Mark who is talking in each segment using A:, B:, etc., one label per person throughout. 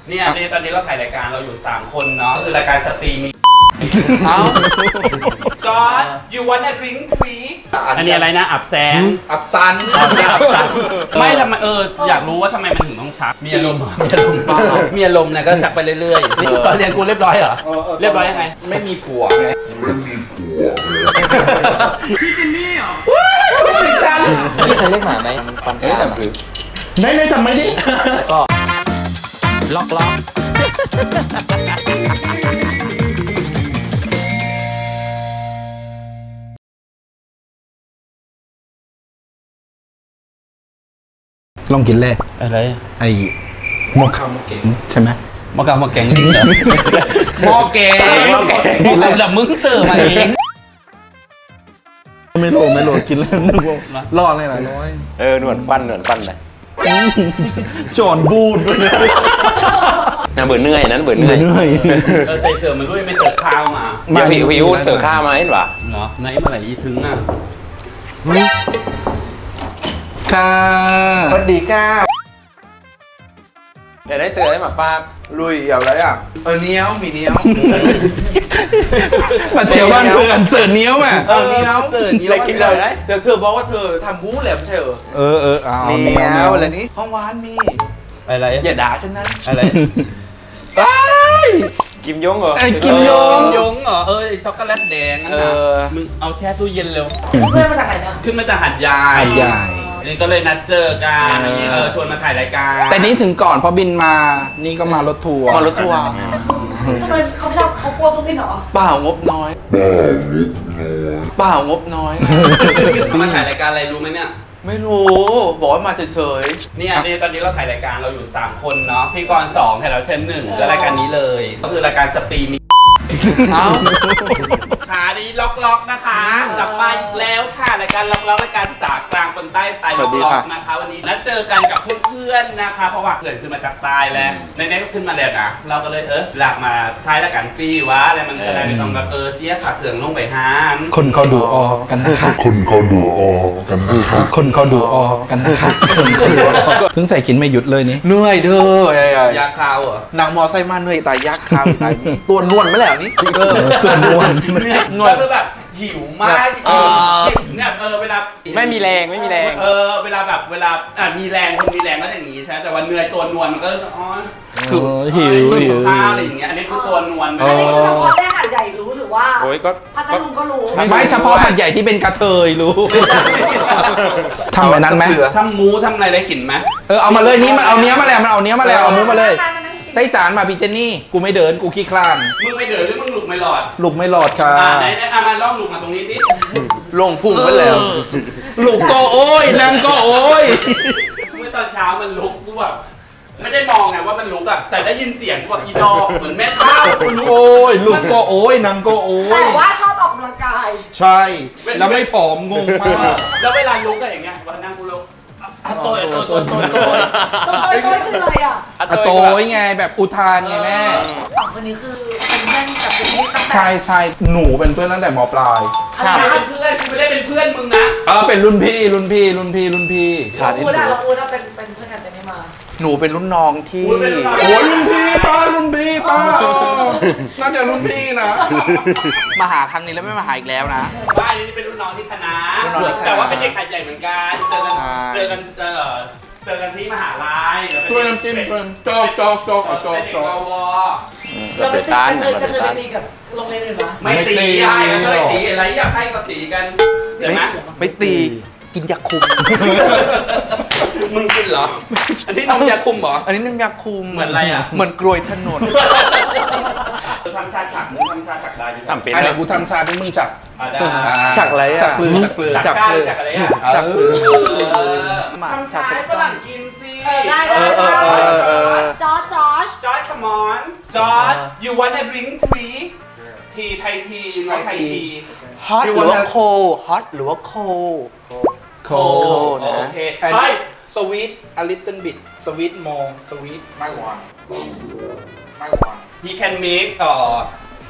A: เนี่ยตอนนี้เราถ่ายรายการเราอยู่3คนเนาะคือรายการสตรีมี
B: เอ้า
A: จอร์จ you wanna drink tea อันนี้อะไรนะอับแสง
B: อับซัน
A: ไม่ทำไมอยากรู้ว่าทำไมมันถึงต้องชักมีอารมณ์มีอารมณ์นะก็ชักไปเรื่อยๆตอนเรียนกูเรียบร้อยเหรอเรียบร้อยยังไง
B: ไม่มีผัวไง
A: พี่เจนนี่เหรอไม่ใช่
C: พี่เคยเรียกหมาไหมมันฟันกรามอะ
B: ไม่ทำไมดิ
C: ก็ล็อก
B: ลองกินเลย
A: อะไร
B: ไอ้หมกข้าวหมกเก๋งใช่ไหม
A: มะกำมะแกงเหรอหม้อแกงแต่มึงเจอมาเอง
B: ไม่โหลกินแล้วนึกว่ารอดเลยนะร้อย
C: หนวดปั้นเลย
B: จอนบูดเลย
C: เบื่อเหนื่อยนั้นเบื่อเหนื่อย
A: ใส่เสือมันด้วยไม่เจอข้าวมา
C: วิวเสือข้ามาเห็นปะ
A: เนาะไหนมาไหนอีถึงอ่ะ
B: ค่ะสวัสดีค่ะ
C: เดี๋ยวได้เสือได้หมาฟาก
B: ลุยเอาอะไรอ่ะเนี้ยวมีเนี้ยวมาเที่ยวบ้านเพื่อนเสิร์ฟเนี้ยวมา
A: เนี้ยวเสือเนี้ยว
C: อะไรกินเลย
D: เดี๋ยวเธอบอกว่าเธอทำหู้แหลมใช่เหรอ
B: เอา
D: เนี้ยวอะไรนี้ห้องหวานมี
A: อะไร
D: อย่าด่าฉันนะ
A: อะไร
C: กิมยงเหรอ
B: ไอ้กิมยง
A: ยงเหรอไอ้ช็อกโกแลตแดงนั่นนะมึงเอาแช่ตู้เย็นเร็ว
E: เพื่อนมาจากไหนเนี่ย
A: ขึ้นมาจากหัดใหญ่
B: ใหญ่
A: นี่ก็เลยนัดเจอกันชวนมาถ่ายรายการ
B: แต่นี้ถึงก่อนเพราะบินมานี่ก็มารถทัวร์
D: มารถทัวร์
E: ทำไมเขาชอบเขากลัวเครื่องบินเหรอ
D: เปล่างบน้อยเปล่างบน้อย
A: มาถ่ายรายการอะไรรู้ไหมเนี่ย
D: ไม่รู้บอกว่ามาเฉย
A: เนี่ยตอนนี้เราถ่ายรายการเราอยู่3คนเนาะพี่กร2ถ่ายเราเช่น1ก็รายการนี้เลยก็คือรายการสตรีมี
D: ๆเอ้า
A: ขาดีล็อกนะคะกลับมาอีกแล้วค่ะรายการล็อกรายการภาษากลางคนใต้สไตล์ล็อกนะคะวันนี้นัดเจอกันกับเพื่อนๆนะคะเพราะว่าเพื่อนขึ้นมาจากใต้แล้วในนี้ก็ขึ้นมาแล้วนะเราก็เลยหลักมาท้ายรายการฟรีวะอะไรมันอะไรไม่ต้องแบบเสียขาเถื่องลงไปห้าม
B: คนเขาดูออกกันนะคะ
F: คนเขาดูออกกันนะครับ
B: คนเขาดูออกกันนะคะถึงใส่กินไม่หยุดเลยนี่
D: เหนื่อยเด้อย
A: าคาวเหรอ
D: นางมอไซค์มาเหนื่อยตายยักษ์ข้าวตายนี่ตัวนวลไม่แล้วนี่
B: ตัวนวล
A: ก็คือแบบหิวมากเนี่ยเวลา
C: ไม่มีแรง
A: เวลามีแรงคนมีแรงก็อย่างนี้ใช่ไหมแต่ว่าเหนื่อยตัวนวลมันก็
B: คือหิว
A: ข้าวอะไรอย่างเงี้ยอันนี้คือตัวนวล
E: อันนี้เฉพาะแค่หาดใหญ่รู้หรือว่า
C: โอ้ยก็
E: พัทลุงก็รู้
B: ไม่เฉพาะหัดใหญ่ที่เป็นกระเทยรู้ทำแบบนั้นไหม
A: ทำหมูทำอะไรได้กลิ่นไหม
B: เอามาเลยนี่มันเอาเนี้ยมาแล้วเอามุ้มาเลยใส่จานมาพี่เจนนี่กูไม่เดินกูขี้คลาน
A: มึงไม่เดินหรือมึงหลุกไม่หลอด
B: ลูกไม่หลอดค่ะ
A: ไหนมาล่องหลุกมาตรงนี้สิ
D: ลงพุ่งไปแล้ว
B: ลูกก็โอ้ยนางก็โอ้ย
A: เมื่อตอนเช้ามันลุกกูแบบไม่ได้มองไงว่ามันลุกอะแต่ได้ยินเสียงแบบอีดอกเหมือนแม่ข้าวกูลุก
B: โอ้ยลูกก็โอ้ยนางก็โอ้
E: แต่
B: ย
E: ว่าชอบออกกำลังกาย
B: ใช่ แล้วไม่ผอมงงมาก
A: แล้วเวลาลุกอะอย่างเงี้ยวันนั่งกูลุกโตย
E: ตัวคืออะไรอ่ะ
B: อะโตยไงแบบอุทานไงแม่
E: สองคนนี้คือเป็นเพื่อนกับเป็นที่ตั้งแต่
B: ใช่หนูเป็นเพื่อนตั้งแต่มปลาย
E: อะไร
A: ไม่
E: นะ
A: เป็นเพื่อนกูไม่ได้เป็นเพื่อนมึงนะ
B: เป็นรุ่นพี่
E: เราพูดเราเป็นเพื่อนกันแต่ไม่มา
D: หนูเป็นรุ่นน้องที่
A: กูเป็นรุ่นน้อง
B: โอ้ยรุ่นพี่ป้าน่าจะรุ่นพี่นะ
D: มาหาครั้งนี้แล้วไม่มาหาอีกแล้วนะ
A: บ้านนี้เป็นรุ่นน้องที่คณะ
D: รุ่นน้องที่คณะ
A: แต่ว่าเป็นเด็กขัดใหญ่เหมือนกันเจอกันที่มหาลัย
B: ช่วยน้ำจิ้มเพิ่มจอกเอาจอก
A: เป็นเด็กกว
E: เราไปตีกันเคยไปตีกับโรงเรียนอื่นปะ
A: ไม่ตีไม่ตีอะไรอยากให้ก็ตีกันเห็นไหม
D: ไม่ตีกินยาคุม
A: มึงกินเหรอ อันที่น้องยาคุมเหรอ
D: อันนี้น้ำยาคุม
A: เหมือนอะไรอ่ะ
D: เหมือนกลวยถนน
A: ทำชาฉักมึงทำชาฉักได้อยู่
C: ทำเป็น
B: อันไหนกูทำชาที่มึงจับ
A: ได้
D: ฉักอะไรอ่ะ
B: จักปลือ
A: ฉักอะไรอ่ะ
B: จักปลือ
A: ทำชาให้ฝรั่งกินสิ
E: ได้จอร์จ
A: จอร์จ come on จอร์จ you wanna drink tea ทีไทยทีน้องไทยที
D: ฮอตหรือว่าโคฮอตหรือว่าโค
B: โค
A: โอเค
B: and
A: เฮ้ย
B: sweet a little bit sweet more sweet ไม่หวาน
A: he can make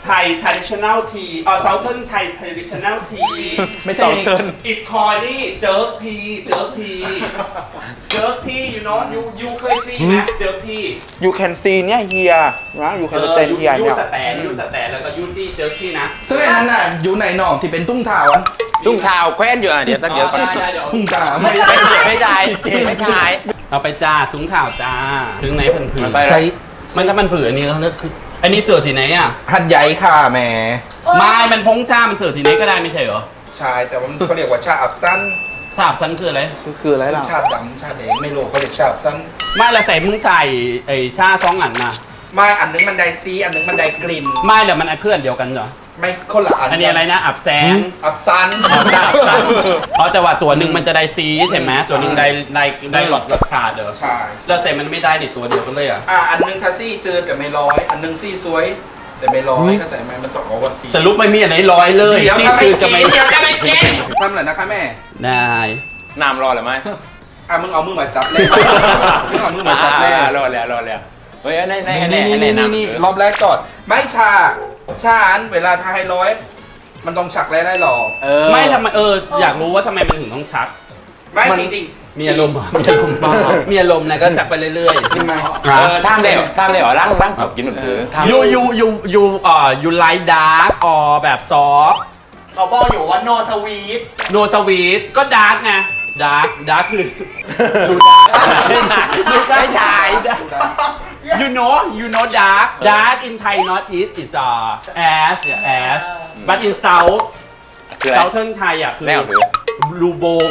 A: ไทย traditional tea Southern Thai traditional tea
B: ไม่ใช่
A: It called นี่เจิร์กทีเจิร์กทีเจิร์กที you know you เคยซีไหมเจิร์กที
B: you can see เนี่ยเฮียนะ you can stand เฮีย
A: ยู
B: เนี่ย
A: สแตนยูสแตนแล้วก็ยูที่เจิร์กทีนะ
B: ซึ่งอันนั้นน่ะอยู่ในหนองที่เป็นตุ้งเท้าอัน
C: ตุ้งเท้าแคว้นอยู่อ่ะเดี๋ยวตั้งเดี๋ยวก่อน
A: ได้เดี๋ยว
B: ตุ้งเท้า
C: ไม่ใช่ไม่ใช่
A: เอาไปจ้าถุงข่าวจ้าถึงไหนเพิ่นผืน
C: ไป
B: ใช้
A: มันถ้ามันผืนอันนี้เขาเรียกคืออันนี้เสือที่ไหนอ่ะ
B: หัดใหญ่ค่ะแหม
A: ไม่มันพงชา มันเสือที่ไหนก็ได้ไม่ใช่เหรอ
B: ใช่แต่ว่ามันเขาเรียกว่าชาอับสั้น
A: ทราบซันคืออะไร
B: คืออะไรล่ะชาดำชาแดงไม่รู้เขาเรียกชาอับสั้น
A: ไม่ละใส่มึงใส่ไอ้ชาสองอันนะ
B: ไม่อันนึงมันไดซีอันนึงมันไดกลิ่น
A: ไม่เดี๋ยวมันเคลื่อนเดียวกันเหรอ
B: ไม่คนละอัน
A: อันนี้อะไรนะอับแสง
B: อับซัน
A: อ๋อแต่ว่าตัวหนึ่งมันจะได้ซีใช่ไหมตัวหนึ่งได้หลอดรสชาติเด้อ
B: ใช่
A: แล้วใส่มันไม่ได้ดิตัวเดียวกันเลยอ่ะ
B: อันนึงทัซี่เจอแต่ไม่ร้อย อันนึงซี่สวย แต่ไม่ร้อยเข้าใจไหมมันต้องเอาวันที
A: สรุปไม่มีอันไหนร้อยเลย
B: เดี๋ยว
A: นี่
B: ทำไม
A: คือ
B: กิ
A: จะ
B: น
A: ไม่
B: เดี๋ยวจะไม่กินทำเลยนะคะแม่
A: ได้
C: น้ำรอหรือไม่
B: มึงเอามือมาจับเลยมึงเอามือมาจับเลย
C: รอแล้วเฮ้ยใน
B: นี่รอบแรกก่อนไม่ชาอันเวลาทาให้ร้อยมันต้องฉักได้หรอ
A: ไม่ทำไมอยากรู้ว่าทำไมมันถึงต้องชัก
B: ไม่จริง
A: มีอารมณ์เหรอมีอารมณ์บ้ามีอารมณ์นะก็ชักไปเรื่อยๆ
B: ๆใช่ไหม
C: ท่ามได้เหรอร่างจบกินหมดคือท่าม
A: ยูไลท์ดาร์กออแบบซอฟ
G: เขาบอกอยู่ว่า no sweet
A: โนสวีทก็ดาร์กไงดาร์กคือดูดาร์กไม่ใช่ you know dark in Thai not eat is as but in South
C: คืออะไร
A: Southern Thai อ่ะคือ
C: แล้วหรือ
A: รูโบง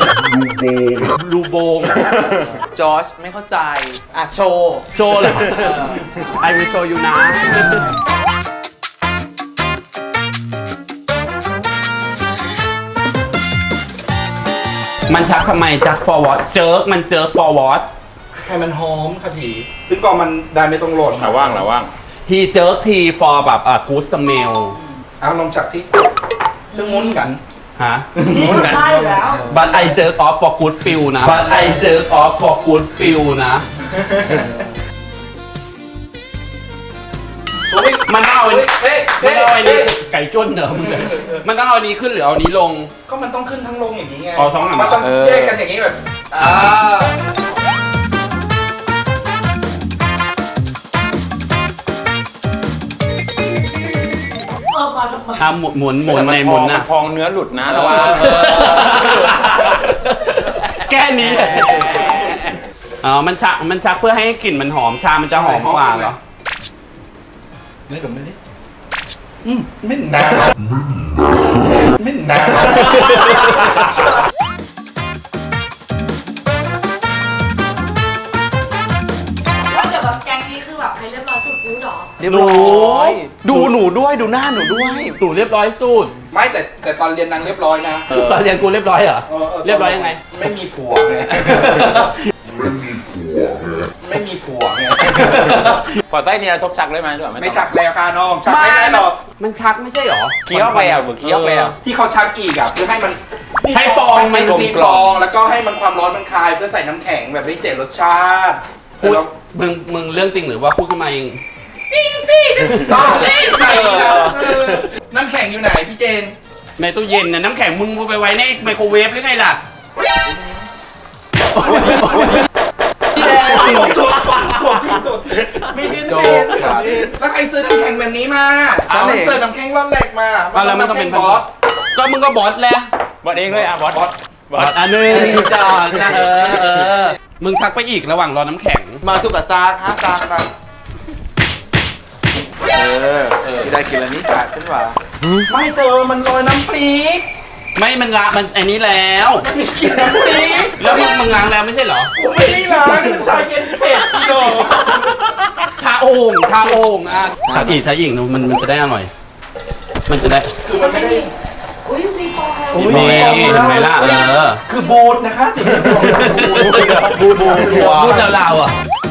G: จอร์จไม่เข้าใจ อ่ะ โชว์
A: โชว์เลย I will show you นะ มันชักทำไมจัก forward เจิร์กมันเจิร์ก forward
B: ให้มันหอมค่ะพี่ซึ่งก็มันได้ไม่ต้องโหลด
C: หาว่าง
A: he jerk tea for แบบgood smell
B: เอาลองจับที่ซึ่งมุ้นกัน
A: ฮะ
E: นี่ใช่แล้ว
A: but I jerk off for good feel นะ but I jerk off for good feel นะ มันต้องเอาอันนี้มันต้องเอาอันนี้ไก่จ้วนเหรอมึงเลยมันต้องเอาอันนี้ขึ้นหรือเอาอันนี้ลง
B: ก็มันต้องขึ้นทั้งลงอย่างนี้ไง
A: อ๋อสองอัน
B: มันต้องแยกกันอย่างนี้แบบ
E: มาทำไม
A: ทำหมุนในหมุนนะ
C: พองเนื้อหลุดนะระวัง
A: แก้นี้เลยอ๋อมันชักเพื่อให้กลิ่นมันหอมชามันจะหอมกว่าเหรอ
B: ไม่ดมเลยดิไม่นานไม่นาน
E: ว่าแต่แบบแกงนี้คือแบบใครเรียบร้อยสุดฟู้ดหรอ
G: เรียบร้อยดูหนูด้วย ดูหน้าหนูด้วย
A: ตู่เรียบร้อยสุด
B: ไม่แต่ตอนเรียนนางเรียบร้อยนะ
A: ตอนเรียนกูเรียบร้อยเหรอ เรียบร้อยยังไง
B: ไม่มีผัวไงไม่มีผัวไง
C: พอใต้เนี่ยทบชักเลยไหมด้วย
B: ไม่ชักแล้วค่ะน้องชักไม่ได้หรอก
A: มันชักไม่ใช่เหรอ
C: เคี้ยวไปอ่ะเคี้ยวไปอ่ะ
B: ที่เขาชักอีกอ่ะเพื่อให้มัน
A: ให้ฟองมัน
B: มีฟองแล้วก็ให้มันความร้อนมันคลายเพื่อใส่น้ำแข็งแบบไม่เสียรสชาติ
A: พูดมึงเรื่องจริงหรือว่าพูดขึ้นมาเอง
B: จริงสิต้องเล่นใส่น้ำแข็งอยู่ไหนพี่เจน
A: ในตู้เย็นนะน้ำแข็งมึงไปไว้ในไมโครเวฟหรือไงล่ะ
B: พี่แดงถูกไม่ขึ้นเจนแล้วใครซื้อน้ำแข็งแบบนี้มามันเสิร์ฟน้ำแข็งร้อนแหลกมา
A: แล้วมันต้องเป็น
B: บอส
A: ก็มึงก็บอสแหละ
C: บอสเองเลยอ่ะบอส
A: บอสอันนึงจอดนะมึงชักไปอีกระหว่างรอน้ำแข็ง
G: มาสุกับซาฮะซามาได้กินแล้วนี่จัดขึ้นว่า
B: ไม่เจอมันลอยน้ำพริก
A: ไม่มันละมันอันนี้แล้ว
B: มีกลิ่นน้ำพริก
A: แล้วมึงล้างแล้วไม่ใช่เหรอ
B: ผมไม่ได้ล้างมันชาเย็นเผ็ดพี่โด
A: ชาโอ่งอ่ะชาอีกมันจะได้อร่อย มันจะได้
B: คือมันไม่ได้
E: อุ้ยมีฟองแล้ว
A: นี่เห็นไหมล่ะ
B: คือบูดนะคะถึงจะบูด
A: พูดลาวๆอ่ะ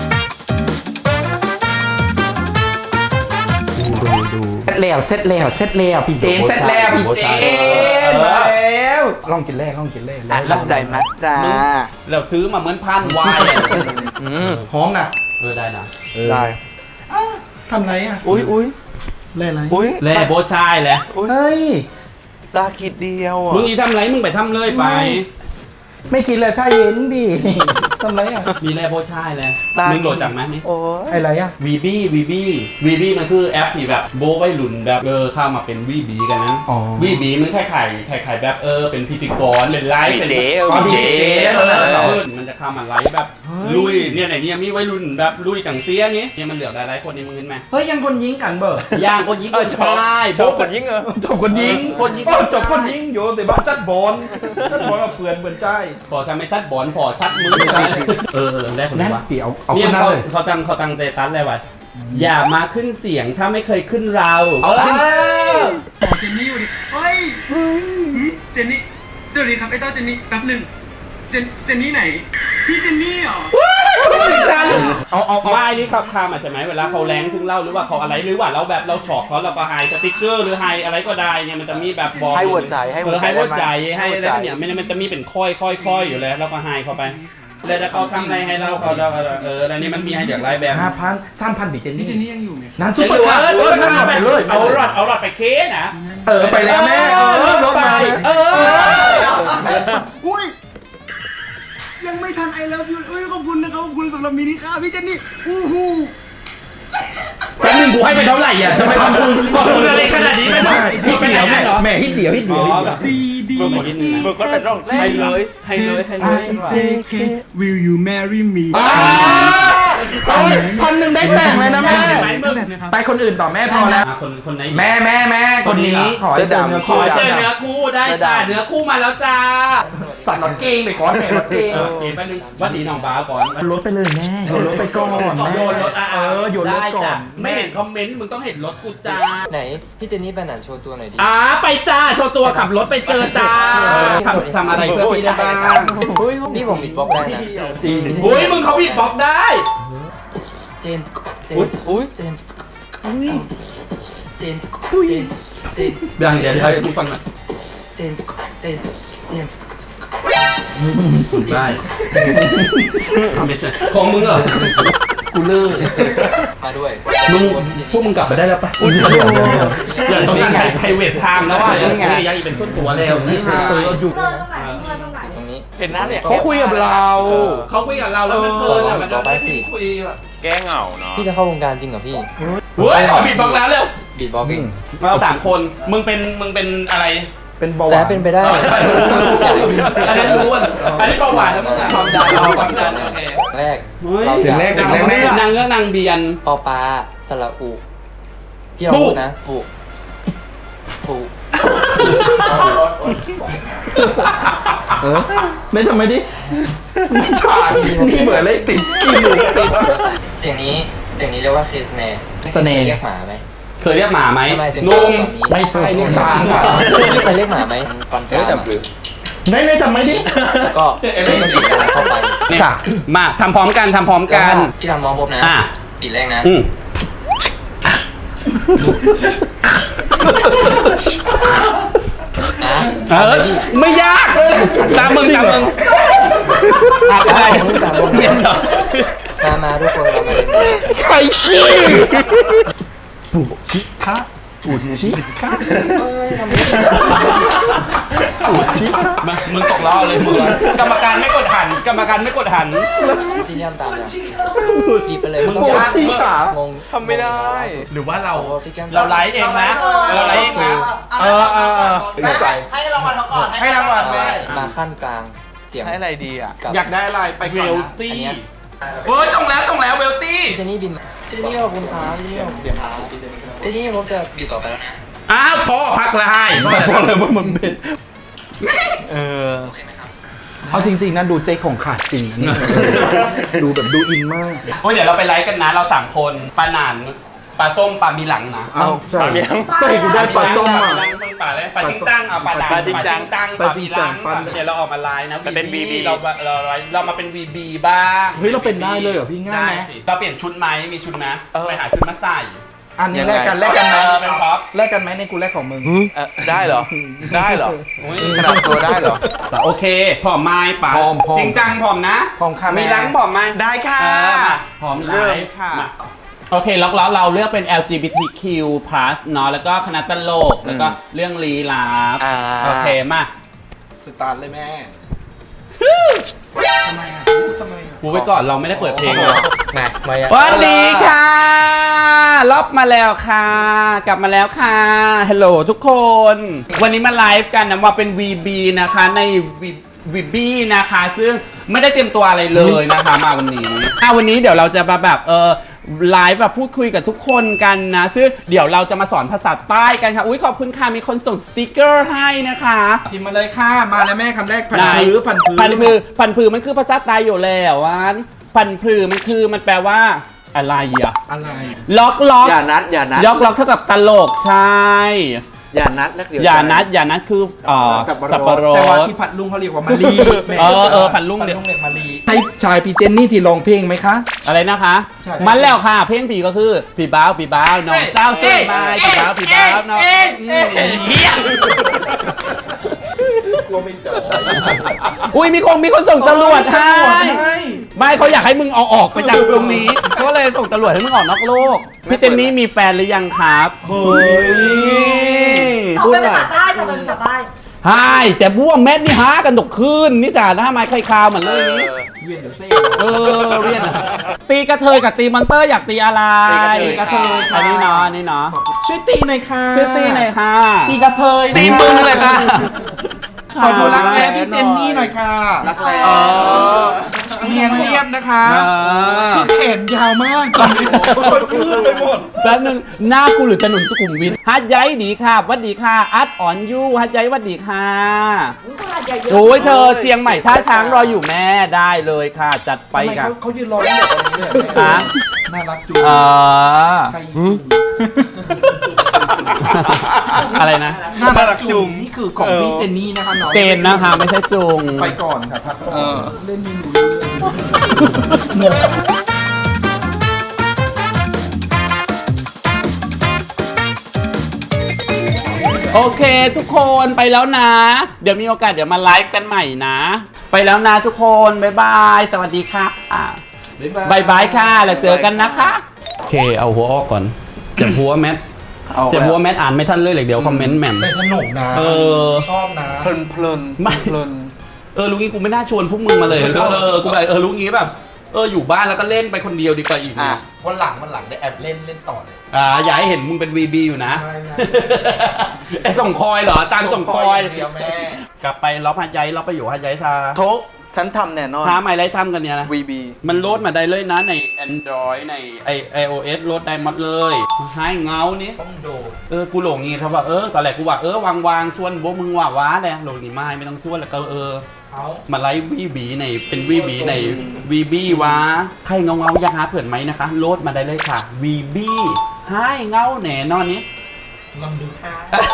B: เสร็จแล้วพี่เจนเสร็จแล้วพี่เจนแล้วลองกินแรก
G: รับใจมัดจ้า
A: เราซื้อมาเหมือนพันวาย
B: หอมนะ
A: ได้นะ
G: ได้
B: ทำไรอ่ะ
G: อุ้ย
B: เล่นอะไร
G: อุ้ย
A: แล่โบชายแหละ
B: เฮ้ย
G: ตาขีดเดียวอ่ะ
A: มึงอีทำไรมึงไปทำเลยไป
B: ไม่กินเลยชาเย็นดิทำไรอ่ะ
A: มีแล่โบชายแหละมึงโหลดจากไหมนี่
G: โอ้ย
B: อะไรอ่ะ
A: วีบี้มันคือแอปที่แบบโบไว้หลุนแบบเข้ามาเป็นวีบีกันนั้น
B: อ๋อ
A: วีบีมันคล้ายๆแบบเป็นพิธีกรเป็นไลฟ์
C: วี
A: เป็น
C: เจ
A: วีเจ
C: เออ
A: มันจะเข้ามาไลฟ์แบบลุยเนี่ยไหนเนี่ยมีไว้รุ่นแบบลุยจังเสียงี้เนี่ยมันเหลือหลายๆคนนี่มึงเห็นไหม
B: เฮ้ยยังคนยิงกันเบอร์
A: ย่างคนยิงคนชาย
C: ชอบคนยิ่งเออ
B: จบคนยิง
A: คนยิง
B: โอ้จบคนยิงอยู่แต่บ้านจัดบอลจัดบอลกับเพื่อนเพื่อนใจ
A: พอทำให้ชัดบอลพอชัดมือได้คน
B: นั่
A: นี้
B: น
A: วะ
B: เปียวเอา
A: เนี่
B: ค
A: ย
B: นนั้นเลย
A: เขาตั้งใจตัดเลยว่ะอย่ามาขึ้นเสียงถ้าไม่เคยขึ้นเรา
H: เจนนี่อยู่ดิเฮ้ยเจนนี่สวัสดีครับไอ้เต้าเจนนี่แป๊บหนึ่งเจนนี่ไหน พี่เจนนี่เหรอ
A: ฉัน
B: เอา
A: ไม่นี่ครับคามาใช่ไหมเวลาเขาแรงถึงเล่าหรือว่าเขาอะไรหรือว่าเราแบบเราฉอกเขาเราก็ไฮสติ๊กเกอร์หรือไฮอะไรก็ได้เนี่ยมันจะมีแบบบอก
G: ให้หัวใจให้หัวใจ
A: ให้หัวใจ
G: ได้ไหม
A: ให้อะไรเนี่ยมันจะมีเป็นค่อยอยู่แล้วเราก็ไฮเข้าไปแล้วถ้าเขาทำอะไรให้เราแล้วนี่มันมีให้จากไลน์แบบ
B: 5,000 3,000ดิเจน
H: พี่
B: นี่
H: เจนนี่ยังอยู่ไหม
B: นั้นซุปเปอร์คาร์นั่นไปเลย
A: เอาหลอดไปเคสนะ
B: ไปแล้วแม่รถมา
H: อุ้ยยังไม่ทันไอเลิฟยูอุ้ยขอบคุณนะครับขอบคุณสำหรับมินิค่าพี่เจนนี่อู้หู
A: แป๊บนึงกูให้ไปเท่าไหร่อ่ะทำไมขอบคุณอะไรขนาดนี้ไม่ต้อง
B: ฮิตเดียวแม่ฮิตเดียว
H: ซีดี
A: มึงนิดนึง
C: มึงก็เป็นร่อง
G: ให้เลยให้เลยให้เลย
H: JK Will you marry me
B: 1,000ได้แต่งเลยนะแม่
H: แบบนะครับ
B: ไปคนอื่นต่อแม่พอแล้ว
A: คนไหน
B: แม่คนนี้ขอให้เจอเนื้อ
A: ข
B: คู่
A: อเจอเนื้อคู่ได้จ้าเนื้อคู่มาแล้วจ้า
B: ตัดหลอดเก้งไปก่อนแม่หลอดเก้ง
A: เดี๋ยวแป๊บนึงวัดดีน้องบ้าก่อน
B: รถไปเลยแม่โยนรถไปก่อน
A: โยนรถ
B: โยนรถ
A: ได้
B: ก่อ
A: จ้ะ
B: น
A: ไม่เห็นคอมเมนต์มึงต้องเห็นรถกูจ้า
I: ไหน พี่เจนนี่ไปไหนโชว์ตัวหน่อยดิ
A: ไปจ้าโชว์ตัวขับรถไปเจอจ้าทำอะไรเพื่อพี่ได้บ้าง
I: นี่ผมบิดบล็อกได้นะ
B: จริง
A: อุ้ยมึงเขาบีดบ็อกได้
I: เจน เจน
G: อุ้ย
I: เจน เจน เจน
A: เดี๋ยวกูฟังหน่อย
I: เจน เจน เจน
A: ได้ไม่ใช่ของมึงเหรอ
B: กูเลิก
I: มาด้วย
A: พวกมึงกลับไปได้แล้วปะอย่าต้องการถ่ายไพรเวทไทม์แล้วว่าอยากอีกเป็นส่วนตัวแล้วนี่ฮะ
B: อยู่
E: เลิกตรงไหนเลิกตรงไหน
I: ตรงนี้
G: เห็นหน้าเนี่ย
B: เขาคุยกับเรา
A: เขาคุยกับเราแล้วมันเพลินอ่ะมันคุยแบบ
C: แก้เหงาเนาะ
I: พี่จะเข้าวงการจริงเหรอพี่
A: เฮ้ยขอบีดบ็อกแล้วเร็ว
I: บีดบล็อกเอง
A: เรา3 คนมึงเป็นอะไร
B: เป็นเบาห
I: แต่
B: วาน
I: เป็นไปได้
A: อันนั้นรู้อันนี้เบาหวานแล้วมึงความดันโอเค
I: แรก
B: เสียงแรกแม่
A: นางเงือกนางเบียน
I: ปอปลาสระอุพี่ลองพูดนะปุปุ
B: ไม่ทำไมดิไม่ฉากนี่เหมือนเลยติดกินอยู่ติด
I: เสียงนี้เรียกว่าเคสแนร์
B: สแนร์
I: เรียกหมาไหม
A: เคยเรียกหมาไหม
I: ทำไมถึง
A: นุ่ม
B: ไม่ใช่เรียกช้างอ่ะ
I: พี่เคยเรียกหมาไหมฟันก
C: เฮ้ย
I: ราม
C: แต่
I: อะ
C: ปลือ
B: ไม่ทำไมดิ
I: แล้วก็ไม่ต้องบีบอะไรเข้าไป
A: เนี่ยมาทำพร้อมกัน
I: พี่ทำมองปุ๊บนะ
A: อ่ะ
I: บีบแรกนะ
A: ไม่ยากตามมึงอะไรเบียนเหรอ
I: มาทุกคนเรามาเล่น
B: ไข่ขี้ปุชิคะปุชิคะปุชิคะ
A: มึงตกล้อเลยมึงกรรมการไม่กดหัน
I: พี่เลี่ยมตามเลยบีบไปเลย
A: มึง
B: ปุชิคะ
I: งง
G: ทำไม่ได้
A: หรือว่าเรา
I: พี่แก้ม
A: ไลฟ์เองนะเราไลฟ์เองนะ
B: ให้รางวัลเขาก่อนให้รางวัลแม่
I: มาขั้นกลางเสียง
G: ให้อะไรดีอ่ะ
I: กับ
B: อยากได้อะไรไป
A: เว
B: ก่อน
A: ล
B: นะ
A: ตี้เฮ้ยต้องแล้วเวลตี้
I: พี่เจนนี่บินพี่เจนนี่ขอบคุณครับพี่เจนนี่ขอบคุณครับพี่เจนนี่ผมจะอยู่ต่อไปแล้วนะ
A: อ้าวพอพักละให้
B: เพราะอะไรว่ามันเป็นเอาจริงๆนะดูเจ๊ของขาดจริงนะดูแบบดูอินมาก
A: เฮ้ยเดี๋ยวเราไปไลฟ์กันนะเรา3 คนปลาหนานปลาส้มปลามีหลังนะ
B: เอาใช่ใช่กูได้ปลาส้มอ่ะ
A: ปลาอะไรปลาจิ้งจังเอาปลาหนาน
C: ปลาจิ้งจัง
A: ปลามีหลัง
B: ปลา
A: เดี๋ยวเราออกมาไลฟ์นะ
C: มันเป็น VB
A: เรามาเป็น VB บ้าง
B: เฮ้ยเราเป็นได้เลยเหรอพี่ง่ายไหม
A: ได้สิเราเปลี่ยนชุดไหมมีชุดไหมไปหาชุดมาใส่
B: อันนี้แลกกันไหม
A: เป็นพ็อป
B: แลกกันไหมในกูแลกของมึง
G: ได้เหรอ ได้เหรอ
A: อุ๊ย
G: ขนาดตัวได้เหรอ
A: โอเคผอมไม้ป่ะ
B: ผอม
A: จริงจังผอมนะ
B: ผอมค่ะแม่
A: มีหลังผอมไหม
G: ได้ค่ะ
A: มาผอมไล
G: เริ่ม
A: ฟ์
G: ค่ะ
A: มาโอเคล็อกล้อเราเลือกเป็น LGBTQ+ เนาะแล้วก็คณะตลกแล้วก็เรื่องลี้ลับโอเคมา
B: สตาร์ทเลยแม่ทำไมอ่ะทำไมอ่ะ
A: กูไว้ก่อนเราไม่ได้เปิดเพลงเลย
G: ไงมายัง
A: สวัสดีค่ะล็อบมาแล้วค่ะ กลับมาแล้วค่ะฮัลโหลทุกคน วันนี้มาไลฟ์กันนะว่าเป็น VB นะคะใน VB นะคะ ซึ่งไม่ได้เตรียมตัวอะไรเลยนะคะมาวันนี้วันนี้เดี๋ยวเราจะมาแบบไลฟ์แบบพูดคุยกับทุกคนกันนะซึ่งเดี๋ยวเราจะมาสอนภาษาใต้กันค่ะอุ้ยขอบคุณค่ะมีคนส่งสติกเกอร์ให้นะคะ
B: พิมพ์มาเลยค่ะมาแล้วแม่คำแรกพัน
A: ได้
B: พื้พันพื้
A: พันผือมันคือภาษาใต้อยู่แล้ววันพันผือมันแปลว่าอะไรอ่ะ
B: อะไร
A: ล็อก
G: อย่านัด
A: ล็อกเท่ากับตลกใช่
G: อย่านัดแล้วเดี๋ยว
A: อย่านัดคือสับปะร
B: แต่ว่า
A: ด
B: ที่ผัดลุงเขาเรียกว่ามารี
A: ผัดลุง
B: เรียกมารีให้ชายพี่เจนนี่ที่ร้องเพลงไหมคะ
A: อะไรนะคะ
B: ใช่
A: มันแล้วค่ะ เพลงผีก็คือผีบ้าวน้องเศร้าเส้นไม้ผีบ้าวน้องเฮีย
B: กลัวไม่เจอ
A: อุ้ยมีคนส่งตำรวจให้ไม่เขาอยากให้มึงเอาออกไปจากตรงนี้ก็เลยส่งตำรวจให้มึงออกนอกโลกพี่เจนนี่มีแฟนหรือยังครับ
B: เฮ้ย
E: ตอบเป็นภาษาใต้ตอบเป็นภาษาใต้
A: ใช่แต่บ้วงแมทนี่หากันดกคืนนี่จ้ะถ้าไม่ใครคาวเหมือนเลยนี้
B: เวียนเดี๋ยวเซ่
A: เรียนอะตีกระเทยกับตีมอนเตอร์อยากตีอะไร
B: ตีกระเทยค่ะ
A: อันนี้เนาะ
B: ช่วยตีหน่อยค่ะ
A: ชื่อตีหน่อยค่ะ
B: ตีกระเทย
A: ตีมึงเลยค่ะ
B: ขอดูรักแร้พี่เจนนี่หน่อยค่ะรักแร้เนียนเรียบนะคะคือแขนยาวมากตอนนี้ยืดไปหมด
A: แป๊บนึงหน้ากูหรือถนนสุขุมวิทฮัดย้ายดีค่ะวัดดีค่ะอัดอ่อนยูฮัดย้ายวัดดีค่ะ
E: อุ๊ยขนาดใหญ่เยอะ
A: โอ้ยเธอเชียงใหม่ท่าช้างรออยู่แม่ได้เลยค่ะ จัดไป
B: ทำไม
A: ค่ะ
B: เขายืนรอตั้งแต่ตอนนี้เลย
A: ฮะ
B: น่ารักจุ๊ ใครจุ๊
A: อะไรนะ
B: น่ารักจุ๊นี่คือของพี่เจนนี่นะคะน้อง
A: เจนนะคะไม่ใช่จุง
B: ไปก่อนค่ะพักก่อนเล่นไม่รู้เรื่องงง
A: โอเคทุกคนไปแล้วนะ เดี๋ยวมีโอกาสเดี๋ยวมาไลฟ์กันใหม่นะ ไปแล้วนะทุกคนบ๊ายบายสวัสดีค่ะบายบายค่ะแล้วเจอกันนะคะโอเคเอาหัวออกก่อนจะหัวแมทอ่านไม่ทันเลยเดี๋ยวคอมเมนต์แหม่ม
B: แต่สนุกนะชอบนะ
G: เพลิน
A: ไม่ ลุงงี้กูไม่น่าชวนพวกมึงมาเลยกูแบบลุงงี้แบบอยู่บ้านแล้วก็เล่นไปคนเดียวดีกว่าอีก
G: อ่ะ
A: นะ
B: วันหลังได้แอบเล่นต่อเลย
A: อย่าให้เห็นมึงเป็น VB อยู่นะ
B: ไม่
A: ไอ้ส่งคอยเหรอตามส่งคอย
B: เดียวแม่
A: กลับไปล็อบหัดใหญ่ล็อบไปอยู่หัดใหญ่ทา
G: โทกฉันทำแน่นอน
A: ท้าไม่ไรทำกันเนี่ยนะ
G: VB
A: มันโหลดมาได้เลยนะใน Android ใน iOS โหลดได้หมดเลยให้เงานี้
B: ต้องโดด
A: กูหลงงี้ครับว่าตอนแรกกูว่าวางชวนโบมึงว่าว้าเลยหลงนี่ไม่ต้องชวนแล้วก็
B: เขา
A: มาไลฟ์วีบีในเป็นวีบีในวีบีวะใครเงาอยากหาเผื่อนไหมนะคะโหลดมาได้เลยค่ะวีบีให้เงาแหน่นอนนี้
B: ลองดูค่ะ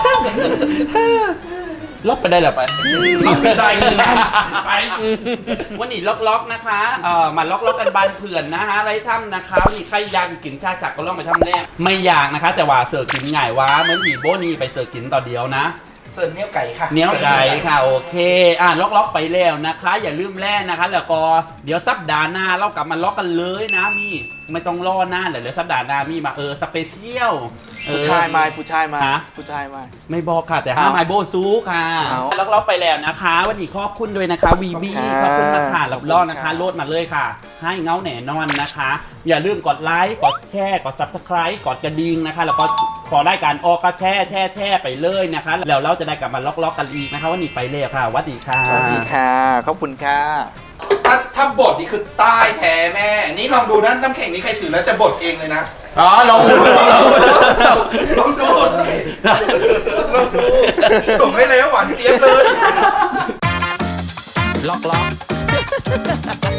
A: ล็อกไปได้หรอไป
B: ล็อกได้เลยนะ
A: ไปวันนี้ล็อกนะคะมาล็อกกันบานเผื่อนนะฮะไรถ้ำนะคะวันนี้ใครอยากกินชาจักก็ลองไปทำแรกไม่อยากนะคะ แต่ว่าเสิร์ฟกินง่ายวะเหมือนผีโบนี่ไปเสิร์ฟกินต่อเดียวนะ
B: เสิร์ฟเนี้ยไก่ค่ะ
A: เนี้ยวไก่ค่ะโอเคล็อกไปแล้วนะคะ อย่าลืมแล่นะคะแล้วก็เดี๋ยวสัปดาห์หน้าเรากลับมาล็อกกันเลยนะมีไม่ต้องรอหน้าเดี๋ยวสัปดาห์หน้ามีมาสเปเชียล
G: ผู้ชายมา
A: ฮะ
G: ผู้ชายมา
A: ไม่บอกค่ะแต่ห้ามไอโบซูค่ะ
G: เอา
A: ล็อกไปแล้วนะคะวันนี้ขอบคุณด้วยนะคะวีบีขอบคุณมากค่ะรับรองนะคะโหลดมาเลยค่ะ ให้เงาแหน่นอนนะคะ อย่าลืมกดไลค์กดแชร์กด Subscribe กดกระดิ่งนะคะแล้วก็พอได้การออกก็แช่ไปเลยนะคะแล้วเราจะได้กลับมาล็อกกันอีกนะคะวันนี้ไปแล้วค่ะสวัสดีค่ะ
G: สวัสดีค่ะ ขอบคุณค่ะ
B: ถ้าบทนี่คือใต้แท้แม่ นี่ลองดูนะน้ำแข็งนี้ใครถือแล้วจะบดเองเลยนะ
A: ลองดู
B: ลองดูส่งให้แล้วหวานเจี๊ยบเลย
A: ล็อก